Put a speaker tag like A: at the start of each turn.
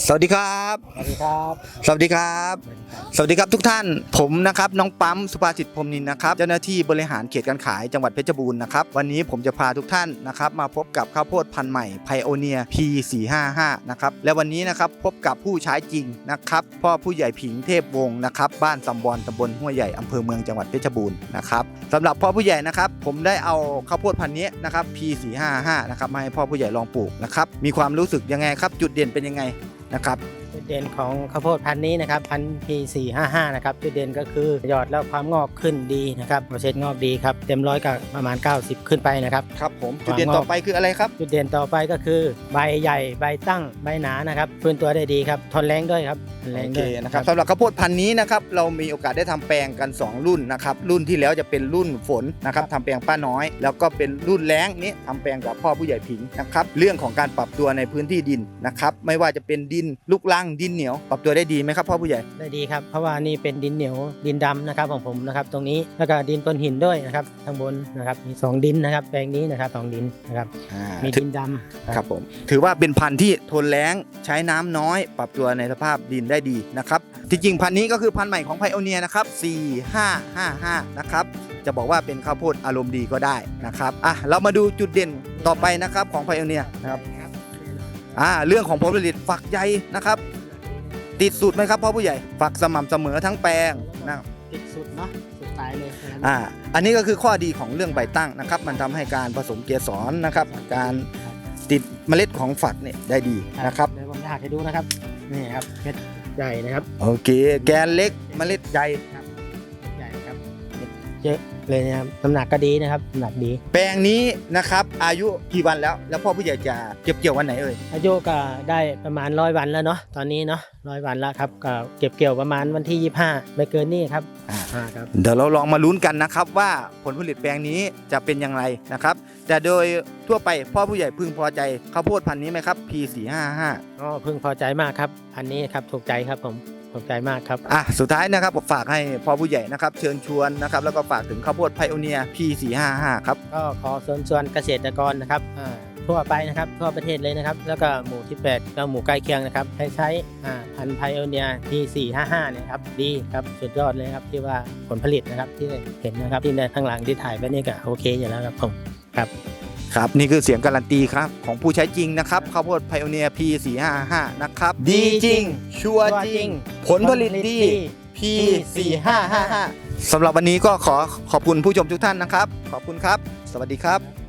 A: สวัสดีครับ
B: สวัสดีครับ
A: สวัสดีครับสวัสดีครับทุกท่านผมนะครับน้องปั๊มสุภาสิทธิ์พรหมนินทร์นะครับเจ้าหน้าที่บริหารเขตการขายจังหวัดเพชรบูรณ์นะครับวันนี้ผมจะพาทุกท่านนะครับมาพบกับข้าวโพดพันธุ์ใหม่ Pioneer P455 นะครับและวันนี้นะครับพบกับผู้ใช้จริงนะครับพ่อผู้ใหญ่ผิงเทพวงศ์นะครับบ้านสำบอนตำบลห้วยใหญ่อำเภอเมืองจังหวัดเพชรบูรณ์นะครับสำหรับพ่อผู้ใหญ่นะครับผมได้เอาข้าวโพดพันธุ์นี้นะครับ P455 นะครับมาให้พ่อผู้ใหญ่ลองปลูกนะครับมีความรู้สึกยังไงครับจุดเด่นเป็นยังไงนะครับ
B: จุดเด่นของข้าวโพดพันธุ์นี้นะครับพันธุ์ P455 นะครับจุดเด่นก็คือยอดแล้วความงอกขึ้นดีนะครับเปอร์เซ็นต์งอกดีครับเต็มร้อยก็ประมาณ90ขึ้นไปนะครับ
A: ครับผมจุดเด่นต่อไปคืออะไรครับ
B: จุดเด่นต่อไปก็คือใบใหญ่ใบตั้งใบหนานะครับฟื้นตัวได้ดีครับทนแรงด้วยครับทนแรงด้วย
A: นะครับสำหรับข้าวโพดพันธุ์นี้นะครับเรามีโอกาสได้ทำแปลงกัน2รุ่นนะครับรุ่นที่แล้วจะเป็นรุ่นฝนนะครับทำแปลงป้าน้อยแล้วก็เป็นรุ่นแล้งนี้ทำแปลงกับพ่อผู้ใหญ่ผิงนะครับเรื่องของการปรับตัวในพื้นที่ดินนะครับไม่ว่าจะเป็นดินลูกรังดินเหนียวปรับตัวได้ดีไหมครับพ่อผู้ใหญ่
B: ได้ดีครับเพราะว่านี่เป็นดินเหนียวดินดำนะครับของผมนะครับตรงนี้แล้วก็ดินก้อนหินด้วยนะครับข้างบนนะครับมี2ดินนะครับแปลงนี้นะครับ2ดินนะครับมีดินดำ
A: ครับผมถือว่าเป็นพันธุ์ที่ทนแล้งใช้น้ำน้อยปรับตัวในสภาพดินได้ดีนะครับที่จริงพันธุ์นี้ก็คือพันธุ์ใหม่ของ Pioneer นะครับ4555นะครับจะบอกว่าเป็นข้าวโพดอารมณ์ดีก็ได้นะครับเรามาดูจุดเด่นต่อไปนะครับของ Pioneer นะครับเรื่องของผลผลิตฝักใยนะครับติดสุดไหมครับพ่อผู้ใหญ่ฝักสม่ำเสมอทั้งแปลงนะ
B: ติดสุดเนาะสุดท้ายเลย
A: อันนี้ก็คือข้อดีของเรื่องใบตั้งนะครับมันทำให้การผสมเกสรนะครับการติดเมล็ดของฝักเนี่ยได้ดีนะครับ
B: เดี๋ยวผมจะหักให้ดูนะครับนี่ครับเม็ดใหญ่นะครับ
A: โอเคแกนเล็กเมล็ดใหญ่
B: ครับใหญ่ครับเยอะเลยนะครับน้ำหนักก็ดีนะครับน้ำหนักดี
A: แปลงนี้นะครับอายุกี่วันแล้วพ่อผู้ใหญ่จะเก็บเกี่ยววันไหนเอ่ย
B: อายุก็ได้ประมาณ100 วันแล้วเนาะตอนนี้เนาะ100 วันแล้วครับก็เก็บเกี่ยวประมาณวันที่25ไม่เกินนี่ครับ
A: ครับเดี๋ยวเราลองมาลุ้นกันนะครับว่าผลผลิตแปลงนี้จะเป็นอย่างไรนะครับแต่โดยทั่วไปพ่อผู้ใหญ่พึงพอใจข้าวโพดพันธุ์นี้ไหมครับ P455
B: ก็พึงพอใจมากครับอันนี้ครับถูกใจครับผมถูกใจมากครับ
A: สุดท้ายนะครับผมฝากให้พ่อผู้ใหญ่นะครับเชิญชวนนะครับแล้วก็ฝากถึงข้าวโพด Pioneer P455 ครับ
B: ก็ขอเชิญชวนเกษตรกรนะครับทั่วไปนะครับทั่วประเทศเลยนะครับแล้วก็หมู่ที่8แล้วหมู่ใกล้เคียงนะครับให้ใช้พันธุ์ Pioneer P455 เนี่ยครับดีครับสุดยอดเลยครับที่ว่าผลผลิตนะครับที่เห็นนะครับที่ในข้างหลังที่ถ่ายไปนี่ก็โอเคอยู่แล้วครับผม
A: ครับนี่คือเสียงการันตีครับของผู้ใช้จริงนะครับข้าวโพด Pioneer P455 นะครับดีจริงชัวร์จริงผลผลิตดี P455 สำหรับวันนี้ก็ขอบคุณผู้ชมทุกท่านนะครับขอบคุณครับสวัสดีครับ